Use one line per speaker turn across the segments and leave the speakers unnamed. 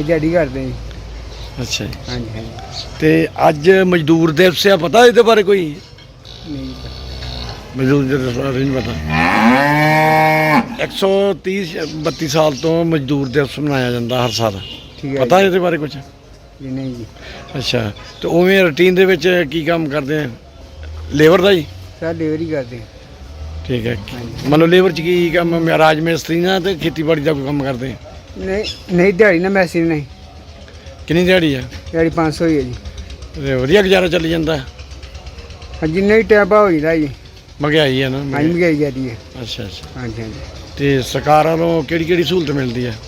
ਅਸੀਂ ਦਿਹਾੜੀ ਕਰਦੇ ਜੀ।
ਅੱਛਾ ਜੀ।
ਹਾਂਜੀ ਹਾਂਜੀ।
ਤੇ ਅੱਜ ਮਜ਼ਦੂਰ ਦਿਵਸ ਆ, ਪਤਾ ਇਹਦੇ ਬਾਰੇ ਕੋਈ?
ਨਹੀਂ
ਮਜ਼ਦੂਰ ਦਿਵਸ ਬਾਰੇ ਨਹੀਂ ਪਤਾ। 132 ਸਾਲ ਤੋਂ ਮਜ਼ਦੂਰ ਦਿਵਸ ਮਨਾਇਆ ਜਾਂਦਾ ਹਰ ਸਾਲ।
ਠੀਕ ਹੈ
ਪਤਾ
ਜੀ।
ਇਹਦੇ ਬਾਰੇ ਕੁਝ?
ਜੀ ਨਹੀਂ ਜੀ।
ਅੱਛਾ, ਤੇ ਉਵੇਂ ਰੂਟੀਨ ਦੇ ਵਿੱਚ ਕੀ ਕੰਮ ਕਰਦੇ ਆ? ਲੇਬਰ ਦਾ ਜੀ?
ਸਰ ਡਿਲੀਵਰੀ ਕਰਦੇ ਹਾਂ।
ਠੀਕ ਹੈ।
ਹਾਂਜੀ।
ਮੰਨ ਲਓ ਲੇਬਰ 'ਚ ਕੀ ਕੰਮ, ਰਾਜ ਮਿਸਤਰੀ ਨਾਲ ਤੇ ਖੇਤੀਬਾੜੀ ਦਾ ਕੋਈ ਕੰਮ ਕਰਦੇ ਆ?
ਨਹੀਂ ਨਹੀਂ ਦਿਹਾੜੀ ਨਾ ਮੈਸੀ ਨਹੀਂ।
ਕਿੰਨੀ ਦਿਹਾੜੀ ਆ?
ਦਿਹਾੜੀ 500 ਹੀ ਹੈ ਜੀ।
ਤੇ ਵਧੀਆ ਗੁਜ਼ਾਰਾ ਚੱਲੀ ਜਾਂਦਾ?
ਜਿੰਨਾ ਹੀ ਟੈਪਾ ਹੋ ਜਾਂਦਾ ਜੀ।
ਮਹਿੰਗਾਈ ਆ ਨਾ?
ਹਾਂਜੀ ਮਹਿੰਗਾਈ ਜਾਂਦੀ ਹੈ।
ਅੱਛਾ ਅੱਛਾ।
ਹਾਂਜੀ ਹਾਂਜੀ।
ਤੇ ਸਰਕਾਰ ਵੱਲੋਂ ਕਿਹੜੀ ਕਿਹੜੀ ਸਹੂਲਤ ਮਿਲਦੀ ਹੈ?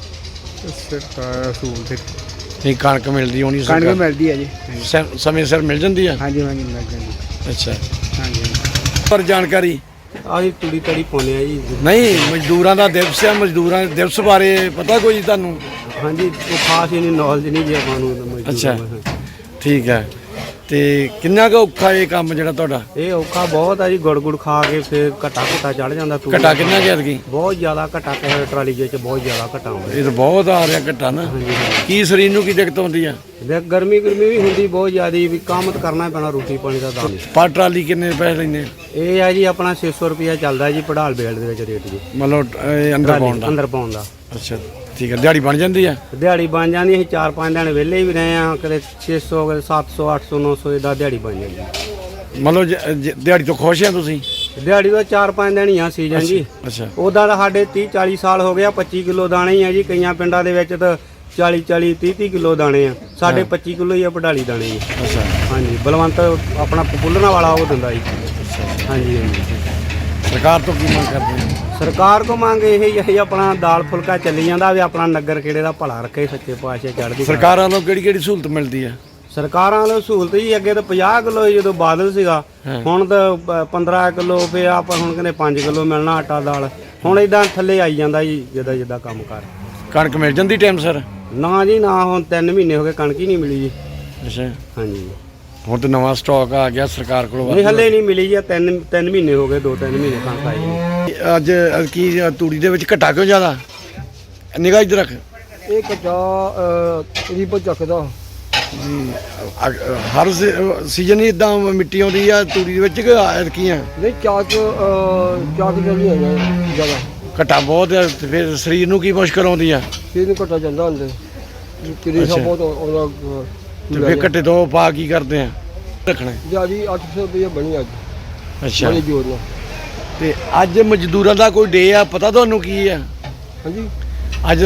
ਸਰਕਾਰ ਸਹੂਲਤ
ਨਹੀਂ, ਕਣਕ ਮਿਲਦੀ ਹੋਣੀ
ਕਣਕ
ਸਰਕਾਰ?
ਮਿਲਦੀ ਹੈ ਜੀ।
ਸਮੇਂ ਸਿਰ ਮਿਲ ਜਾਂਦੀ ਆ?
ਹਾਂਜੀ ਹਾਂਜੀ ਮਿਲ ਜਾਂਦੀ।
ਅੱਛਾ।
ਹਾਂਜੀ
ਪਰ ਜਾਣਕਾਰੀ
ਆਹੀ ਤੂੜੀ ਤੜੀ ਪਾਉਂਦੇ ਆ ਜੀ।
ਨਹੀਂ, ਮਜ਼ਦੂਰਾਂ ਦਾ ਦਿਵਸ ਆ, ਮਜ਼ਦੂਰਾਂ ਦੇ ਦਿਵਸ ਬਾਰੇ ਪਤਾ ਕੋਈ ਤੁਹਾਨੂੰ?
ਹਾਂਜੀ, ਉਹ ਖਾਸ ਹੀ ਨਹੀਂ, ਨੌਲੇਜ ਨਹੀਂ ਜੀ ਆਪਾਂ ਨੂੰ।
ਅੱਛਾ। ਠੀਕ ਹੈ। ਤੇ ਕਿੰਨਾ ਕੁ ਔਖਾ ਇਹ ਕੰਮ ਜਿਹੜਾ ਤੁਹਾਡਾ?
ਇਹ ਔਖਾ ਬਹੁਤ ਆ ਜੀ, ਗੁੜ ਖਾ ਕੇ ਫਿਰ ਘਟਾ ਚੜ ਜਾਂਦਾ। ਤੂੜੀ
ਘਟਾ ਕਿੰਨਾ ਗਿਆ ਐਤਕੀ?
ਬਹੁਤ ਜ਼ਿਆਦਾ ਘਟਾ ਕਿਸੇ ਟਰਾਲੀ ਜੇ ਚ ਬਹੁਤ ਜ਼ਿਆਦਾ ਘਟਾ ਆਉਂਦਾ।
ਇਹ ਤਾਂ ਬਹੁਤ ਆ ਰਿਹਾ ਘਟਾ ਨਾ। ਕੀ ਸਰੀਰ ਨੂੰ ਕੀ ਦਿੱਕਤ ਆਉਂਦੀ ਆ?
ਦੇਖ ਗਰਮੀ ਵੀ ਹੁੰਦੀ ਬਹੁਤ ਜ਼ਿਆਦੀ, ਵੀ ਕੰਮ ਤਾਂ ਕਰਨਾ ਪੈਣਾ, ਰੋਟੀ ਪਾਣੀ ਦਾ ਤਾਂ।
ਪਰ ਟਰਾਲੀ ਕਿੰਨੇ ਪੈਸੇ ਲੈਂਦੇ?
ਇਹ ਆ ਜੀ ਆਪਣਾ 600 ਰੁਪਇਆ ਚੱਲਦਾ ਜੀ ਪੜਾਲ ਬੇਲਡ ਦੇ ਵਿੱਚ ਰੇਟ ਜੀ।
ਮਤਲਬ ਇਹ ਅੰਦਰ ਪਾਉਣ ਦਾ?
ਅੰਦਰ ਪਾਉਣ ਦਾ।
ਅੱਛਾ ਠੀਕ ਹੈ। ਦਿਹਾੜੀ ਬਣ ਜਾਂਦੀ ਆ?
ਦਿਹਾੜੀ ਬਣ ਜਾਂਦੀ। ਅਸੀਂ 4-5 ਦਿਨ ਵਿਹਲੇ ਵੀ ਰਹੇ ਆ, ਕਦੇ 600 ਕਦੇ 700 800 900 ਇਦਾਂ ਦਿਹਾੜੀ ਬਣ ਜਾਂਦੀ।
ਮਤਲਬ ਦਿਹਾੜੀ ਤੋਂ ਖੁਸ਼ ਆ ਤੁਸੀਂ?
ਦਿਹਾੜੀ ਦਾ 4-5 ਦਿਨ ਹੀ ਆ ਸੀਜ਼ਨ ਜੀ।
ਅੱਛਾ।
ਉਹਦਾ ਤਾਂ ਸਾਡੇ 30-40 ਸਾਲ ਹੋ ਗਿਆ। 25 ਕਿਲੋ ਦਾਣੇ ਹੀ ਆ ਜੀ। ਕਈਆਂ ਪਿੰਡਾਂ ਦੇ ਵਿੱਚ ਤਾਂ 40-40 30-30 ਕਿਲੋ ਦਾਣੇ ਆ। ਸਾਡੇ 25 ਕਿਲੋ ਹੀ ਆ ਪੜਾਲੀ ਦਾਣੇ ਜੀ।
ਅੱਛਾ।
ਹਾਂਜੀ, ਬਲਵੰਤ ਆਪਣਾ ਪੁੱਲਣਾ ਵਾਲਾ ਉਹ ਦਿੰਦਾ ਜੀ। ਹਾਂਜੀ ਹਾਂਜੀ।
ਸਰਕਾਰ ਤੋਂ ਕੀ ਮੰਗ ਕਰਦੇ ਆ?
ਸਰਕਾਰ ਕੋ ਮੰਗ ਇਹ ਹੀ ਆਪਣਾ ਦਾਲ ਫੁਲਕਾ ਚੱਲੀ ਜਾਂਦਾ, ਵੀ ਆਪਣਾ ਨਗਰ ਖੇੜੇ ਦਾ ਭਲਾ ਰੱਖੇ, ਸੱਚੇ ਪਾਤਸ਼ਾਹ ਚੜ੍ਹਦੀ।
ਸਰਕਾਰਾਂ ਵੱਲੋਂ ਕਿਹੜੀ ਕਿਹੜੀ ਸਹੂਲਤ ਮਿਲਦੀ ਆ?
ਸਰਕਾਰਾਂ ਵੱਲੋਂ ਸਹੂਲਤ ਜੀ, ਅੱਗੇ ਤਾਂ 50 ਕਿਲੋ ਜਦੋਂ ਬਾਦਲ ਸੀਗਾ, ਹੁਣ ਤਾਂ 15 ਕਿਲੋ, ਫਿਰ ਆਪਾਂ ਹੁਣ ਕਹਿੰਦੇ 5 ਕਿਲੋ ਮਿਲਣਾ ਆਟਾ ਦਾਲ। ਹੁਣ ਇਦਾਂ ਥੱਲੇ ਆਈ ਜਾਂਦਾ ਜੀ, ਜਿੱਦਾਂ ਜਿੱਦਾਂ ਕੰਮ ਕਰ।
ਕਣਕ ਮਿਲ ਜਾਂਦੀ ਟਾਈਮ ਸਰ?
ਨਾ ਜੀ ਨਾ, ਹੁਣ 3 ਮਹੀਨੇ ਹੋ ਗਏ ਕਣਕ ਹੀ ਨਹੀਂ ਮਿਲੀ ਜੀ।
ਅੱਛਾ।
ਹਾਂਜੀ।
ਹੁਣ ਤਾਂ ਨਵਾਂ ਸਟਾਕ ਆ ਗਿਆ ਸਰਕਾਰ ਕੋਲੋਂ?
ਨਹੀਂ ਹੱਲੇ ਨਹੀਂ ਮਿਲੀ ਜੀ। 3 ਮਹੀਨੇ ਹੋ ਗਏ, 2-3 ਮਹੀਨੇ ਕਣਕ ਆਈ ਜੀ।
ਅੱਜ ਕੀ ਤੂੜੀ ਦੇ ਵਿੱਚ ਘਟਾ ਕਿਉਂ ਜ਼ਿਆਦਾ? ਨਿਗਾਹ ਇੱਧਰ ਰੱਖ।
ਇਹ ਕਚਾ ਰੀਪੋ ਚੱਕਦਾ
ਜੀ। ਹਰ ਸੀਜ਼ਨ ਹੀ ਇਦਾਂ ਮਿੱਟੀ ਆਉਂਦੀ ਆ ਤੂੜੀ ਦੇ ਵਿੱਚ ਕਿ ਐਤਕੀ ਆ?
ਨਹੀਂ ਚਾਕ ਜਲਦੀ ਹੈਗਾ ਜ਼ਿਆਦਾ।
ਘਟਾ ਬਹੁਤ ਆ, ਤੇ ਫਿਰ ਸਰੀਰ ਨੂੰ ਕੀ ਮੁਸ਼ਕਲ ਆਉਂਦੀ ਆ?
ਫਿਰ ਨੂੰ ਘਟਾ ਜਾਂਦਾ ਅੰਦਰ। ਕਿਰੇਸਾ
ਅੱਛਾ।
ਬਹੁਤ ਆਉਂਦਾ।
ਤੇ ਫਿਰ ਘੱਟੇ ਤੋਂ ਪਾ ਕੀ ਕਰਦੇ ਆ? ਰੱਖਣਾ।
ਦਿਹਾੜੀ 800 ਰੁਪਏ ਬਣੀ ਅੱਜ।
ਅੱਛਾ।
ਬੜੀ ਜੋਰ ਨਾਲ।
ਤੇ ਅੱਜ ਮਜ਼ਦੂਰਾਂ ਦਾ ਕੋਈ ਡੇ ਆ, ਪਤਾ ਤੁਹਾਨੂੰ ਕੀ ਆ?
ਹਾਂਜੀ।
ਅੱਜ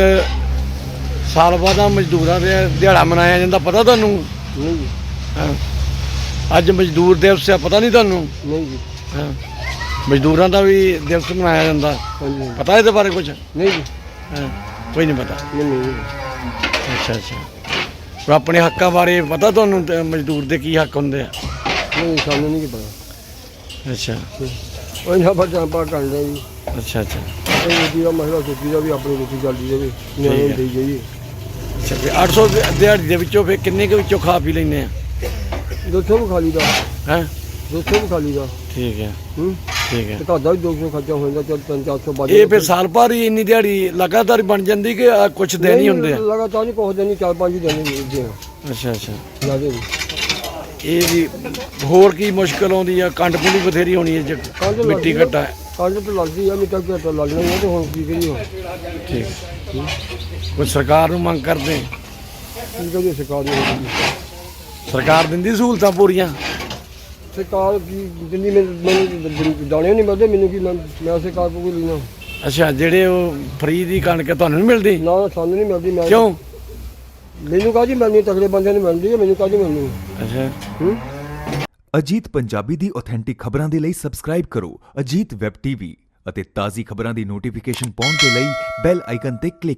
ਸਾਲ ਬਾਅਦ ਮਜ਼ਦੂਰਾਂ ਦੇ ਦਿਹਾੜਾ ਮਨਾਇਆ ਜਾਂਦਾ, ਪਤਾ ਤੁਹਾਨੂੰ?
ਨਹੀਂ ਜੀ।
ਹਾਂ। ਅੱਜ ਮਜ਼ਦੂਰ ਦਿਵਸ ਆ, ਪਤਾ ਨਹੀਂ ਤੁਹਾਨੂੰ?
ਨਹੀਂ ਜੀ।
ਹਾਂ। ਮਜ਼ਦੂਰਾਂ ਦਾ ਵੀ ਦਿਵਸ ਮਨਾਇਆ ਜਾਂਦਾ,
ਹਾਂਜੀ।
ਪਤਾ ਇਹਦੇ ਬਾਰੇ ਕੁਝ?
ਨਹੀਂ ਜੀ।
ਹਾਂ। ਕੋਈ ਨਹੀਂ ਪਤਾ?
ਨਹੀਂ।
ਅੱਛਾ ਅੱਛਾ। ਉਹ ਆਪਣੇ ਹੱਕਾਂ ਬਾਰੇ ਪਤਾ ਤੁਹਾਨੂੰ? ਤੇ ਮਜ਼ਦੂਰ ਦੇ ਕੀ ਹੱਕ ਹੁੰਦੇ ਆ?
ਨਹੀਂ ਸਾਨੂੰ ਨਹੀਂ ਪਤਾ।
ਅੱਛਾ
ਉਹ ਨਾ ਬੱਚਾ ਪਾ ਕਰਦੇ ਜੀ।
ਅੱਛਾ ਅੱਛਾ।
ਇਹ ਰੋਟੀ ਦਾ ਮਸਲਾ ਸੋਚੀ ਦਾ ਵੀ ਆਪਣੀ ਰੋਟੀ ਚੱਲਦੀ ਜਾਵੇ, ਨਿਆਣੇ ਨੂੰ ਦੇਈ ਜਾਈਏ।
ਅੱਛਾ। ਫਿਰ 800 ਦਿਹਾੜੀ ਦੇ ਵਿੱਚੋਂ ਫਿਰ ਕਿੰਨੇ ਕੁ ਵਿੱਚੋਂ ਖਾ ਪੀ ਲੈਂਦੇ ਆ?
200 ਵੀ ਖਾ ਲਈਦਾ।
ਹੈਂ?
200 ਵੀ ਖਾ ਲਈਦਾ।
ਠੀਕ ਹੈ।
ਹੂੰ।
ਠੀਕ ਹੈ।
ਤੇ ਘਰ ਦਾ ਵੀ 200 ਖਰਚਾ ਹੋ ਜਾਂਦਾ। ਚੱਲ 300-400 ਬਾਅਦ
ਇਹ ਫਿਰ ਸਾਲ ਭਰ ਹੀ ਇੰਨੀ ਦਿਹਾੜੀ ਲਗਾਤਾਰ ਹੀ ਬਣ ਜਾਂਦੀ ਕਿ ਕੁਛ ਦਿਨ ਹੀ ਹੁੰਦੇ ਆ?
ਲਗਾਤਾਰ ਨਹੀਂ, ਕੁਛ ਦਿਨ ਨਹੀਂ, 4-5 ਦਿਨ ਹੀ।
ਅੱਛਾ ਅੱਛਾ।
ਜ਼ਿਆਦਾ ਨਹੀਂ।
ਇਹ ਵੀ ਹੋਰ ਕੀ ਮੁਸ਼ਕਲ ਆਉਂਦੀ ਆ? ਕੰਡ ਕੁੰਡੀ ਬਥੇਰੀ ਹੋਣੀ ਹੈ ਜੇ ਮਿੱਟੀ ਘੱਟਾ?
ਕੰਡ ਤਾਂ ਲੱਗਦੀ ਆ, ਮਿੱਟਾ ਘੱਟਾ ਲੱਗਣਾ ਹੀ ਆ, ਤੇ ਹੁਣ ਕੀ ਕਰੀਏ ਹੁਣ?
ਠੀਕ। ਕੋਈ ਸਰਕਾਰ ਨੂੰ ਮੰਗ ਕਰਦੇ?
ਕੀ ਕਰੀਏ? ਸਰਕਾਰ ਨੂੰ
ਸਰਕਾਰ ਦਿੰਦੀ ਸਹੂਲਤਾਂ ਪੂਰੀਆਂ?
ਸਰਕਾਰ ਕੀ ਦਿੰਦੀ? ਮੈਨੂੰ ਦਾਣੇ ਨਹੀਂ ਮਿਲਦੇ, ਮੈਨੂੰ ਕੀ ਮੈਂ ਸਰਕਾਰ ਕੋਲ ਕੋਈ ਲੈਣਾ।
ਅੱਛਾ। ਜਿਹੜੇ ਉਹ ਫਰੀ ਦੀ ਕਣਕ ਤੁਹਾਨੂੰ ਨਹੀਂ ਮਿਲਦੀ?
ਨਾ ਸਾਨੂੰ ਨਹੀਂ ਮਿਲਦੀ। ਮੈਂ
ਕਿਉਂ?
ਮੈਨੂੰ ਕਾਹਦੀ ਮਿਲਣੀ? ਤਕੜੇ ਬੰਦਿਆਂ ਨੂੰ ਮਿਲਦੀ ਹੈ, ਮੈਨੂੰ ਕਾਹਦੀ ਮਿਲਣੀ?
ਅੱਛਾ।
ਅਜੀਤ ਪੰਜਾਬੀ ਦੀ ਆਥੈਂਟਿਕ ਖਬਰਾਂ ਦੇ ਲਈ ਸਬਸਕ੍ਰਾਈਬ ਕਰੋ ਅਜੀਤ ਵੈਬ ਟੀਵੀ ਅਤੇ ਤਾਜ਼ੀ ਖਬਰਾਂ ਦੀ ਨੋਟੀਫਿਕੇਸ਼ਨ ਪਾਉਣ ਦੇ ਲਈ ਬੈਲ ਆਈਕਨ ਤੇ ਕਲਿੱਕ